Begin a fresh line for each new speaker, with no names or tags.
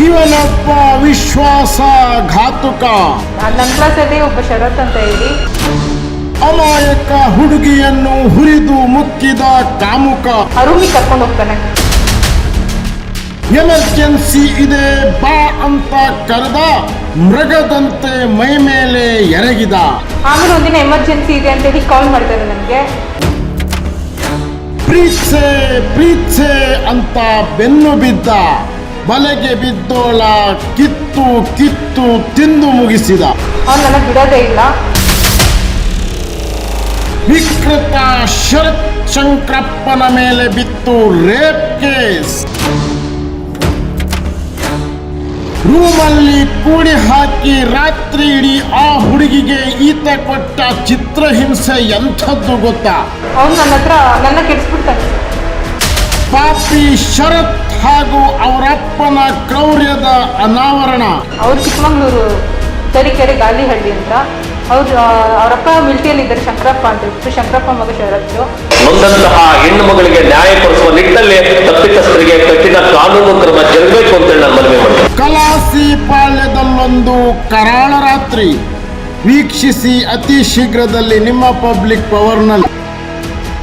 ಇವನೊಬ್ಬ ವಿಶ್ವಾಸಘಾತುಕ.
ನನ್ನ ಕ್ಲಾಸಲ್ಲಿ ಒಬ್ಬ ಶರತ್ ಅಂತ ಹೇಳಿ
ಅಮಾಯಕ ಹುಡುಗಿಯನ್ನು ಹುರಿದು ಮುಕ್ಕಿದ ಕಾಮುಕ.
ರೂಮಿಗೆ ಕರ್ಕೊಂಡು ಹೋಗ್ತಾನೆ.
ಎಮರ್ಜೆನ್ಸಿ ಇದೆ ಬಾ ಅಂತ ಕರೆದ, ಮೃಗದಂತೆ ಮೈ ಮೇಲೆ ಎರಗಿದ.
ಆಮೇಲೆ ಒಂದಿನ ಎಮರ್ಜೆನ್ಸಿ ಇದೆ ಅಂತ ಹೇಳಿ ಕಾಲ್ ಮಾಡ್ತಾರೆ ನನಗೆ.
ಪ್ರೀತ್ಸೆ ಅಂತ ಬೆನ್ನು ಬಿದ್ದ, ಬಲೆಗೆ ಬಿದ್ದೋಳ ಕಿತ್ತು ಕಿತ್ತು ತಿಂದು ಮುಗಿಸಿದ.
ಅವ್ನು ನನ್ನ ಬಿಡೋದೇ ಇಲ್ಲ.
ವಿಕೃತ ಶರತ್ ಶಂಕರಪ್ಪನ ಮೇಲೆ ಬಿತ್ತು ರೇಪ್ ಕೇಸ್. ರೂಮಲ್ಲಿ ಕೂಡಿ ಹಾಕಿ ರಾತ್ರಿ ಇಡೀ ಆ ಹುಡುಗಿಗೆ ಈತ ಕೊಟ್ಟ ಚಿತ್ರಹಿಂಸೆ ಎಂಥದ್ದು ಗೊತ್ತಾ?
ಅವನು ನನ್ನ ಕೆಡಿಸ್ಬಿಡ್ತಾನೆ.
ಪಾಪಿ ಶರತ್ ಹಾಗೂ ಅವರಪ್ಪನ ಕ್ರೌರ್ಯದ ಅನಾವರಣ.
ಅವ್ರು ಚಿಕ್ಕಮಂಗ್ಳೂರು ತರೀಕೆರೆ ಗಾಲಿಹಳ್ಳಿ ಅಂತ. ಅವರಪ್ಪ ಮಿಲಿಟರಿಯಲ್ಲಿ ಇದ್ದಾರೆ, ಶಂಕರಪ್ಪ ಅಂತ ಹೇಳ್ಬಿಟ್ಟು. ಶಂಕರಪ್ಪ ಮಗ ಶರತ್ತು.
ನೊಂದಂತಹ ಹೆಣ್ಣು ಮಗಳಿಗೆ ನ್ಯಾಯ ಕೊಡಿಸುವ ನಿಟ್ಟಿನಲ್ಲಿ ತಪ್ಪಿತಸ್ಥರಿಗೆ ಕಠಿಣ ಕಾನೂನು ಕ್ರಮ ಜರುಗಬೇಕು ಅಂತ ನಾನು ಮನವಿ ಮಾಡ್ತೇನೆ.
ಕಲಾಸಿ ಪಾಳ್ಯದಲ್ಲೊಂದು ಕರಾಳ ರಾತ್ರಿ ವೀಕ್ಷಿಸಿ ಅತಿ ಶೀಘ್ರದಲ್ಲಿ ನಿಮ್ಮ ಪಬ್ಲಿಕ್ ಪವರ್ನಲ್ಲಿ.